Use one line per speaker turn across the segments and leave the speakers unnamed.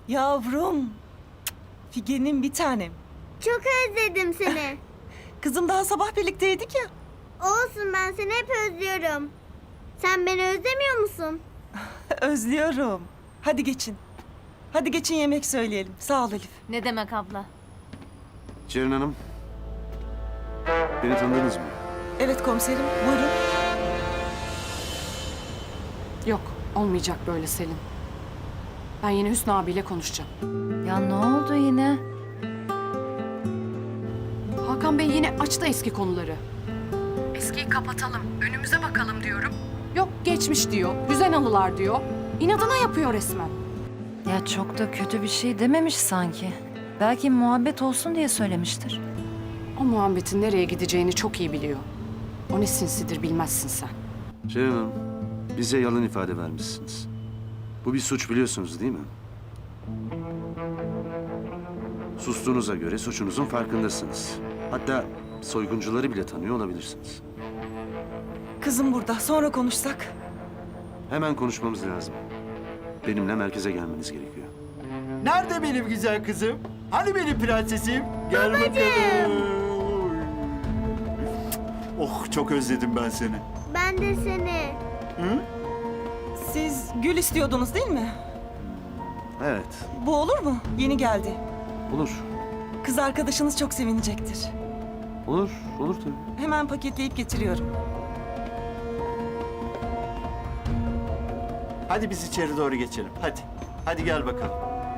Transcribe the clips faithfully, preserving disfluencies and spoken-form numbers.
Yavrum. Figen'im bir tanem.
Çok özledim seni.
Kızım daha sabah birlikteydik ya.
Olsun, ben seni hep özlüyorum. Sen beni özlemiyor musun?
Özlüyorum. Hadi geçin. Hadi geçin yemek söyleyelim. Sağ ol Elif.
Ne demek abla?
Ceren Hanım, beni tanıdınız mı?
Evet komiserim buyurun.
Yok, olmayacak böyle Selin. Ben yine Hüsnü abiyle konuşacağım.
Ya ne oldu yine?
Hakan Bey yine açtı eski konuları. Eskiyi kapatalım, önümüze bakalım diyorum. Yok geçmiş diyor, güzel anılar diyor. İnadına yapıyor resmen.
Ya çok da kötü bir şey dememiş sanki. Belki muhabbet olsun diye söylemiştir.
O muhabbetin nereye gideceğini çok iyi biliyor. O ne sinsidir bilmezsin sen.
Ceren Hanım, bize yalan ifade vermişsiniz. Bu bir suç biliyorsunuz değil mi? Sustuğunuza göre suçunuzun farkındasınız. Hatta soyguncuları bile tanıyor olabilirsiniz.
Kızım burada. Sonra konuşsak.
Hemen konuşmamız lazım. Benimle merkeze gelmeniz gerekiyor.
Nerede benim güzel kızım? Hani benim prensesim? Gel bakalım. Oh, çok özledim ben seni.
Ben de seni.
Hı?
Siz gül istiyordunuz değil mi?
Evet,
Bu olur mu? Yeni geldi.
olur.
Kız arkadaşınız çok sevinecektir.
Olur, olur tabii.
Hemen paketleyip getiriyorum.
Hadi biz içeri doğru geçelim. Hadi. Hadi gel bakalım.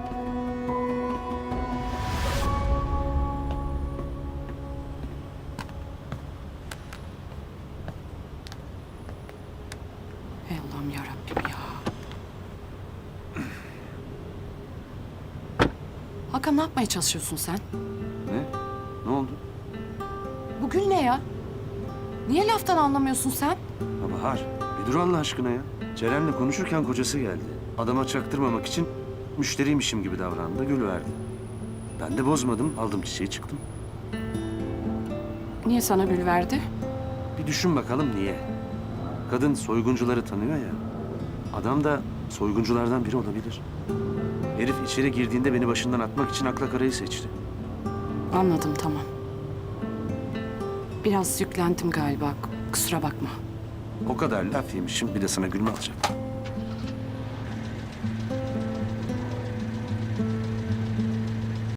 Ey Allah'ım yarabbim ya. Hakan ne yapmaya çalışıyorsun sen?
Ne? Ne oldu?
Bu gül ne ya? Niye laftan anlamıyorsun sen?
Ha Bahar, bir dur Allah aşkına ya. Ceren'le konuşurken kocası geldi. Adama çaktırmamak için müşteriymişim gibi davrandı, gül verdi. Ben de bozmadım, aldım çiçeği çıktım.
Niye sana gül verdi?
Bir düşün bakalım niye? Kadın soyguncuları tanıyor ya. Adam da soygunculardan biri olabilir. Herif içeri girdiğinde beni başından atmak için akla karayı seçti.
Anladım, tamam. Biraz yüklendim galiba. Kusura bakma.
O kadar laf yemişim, bir de sana gül mü alacağım?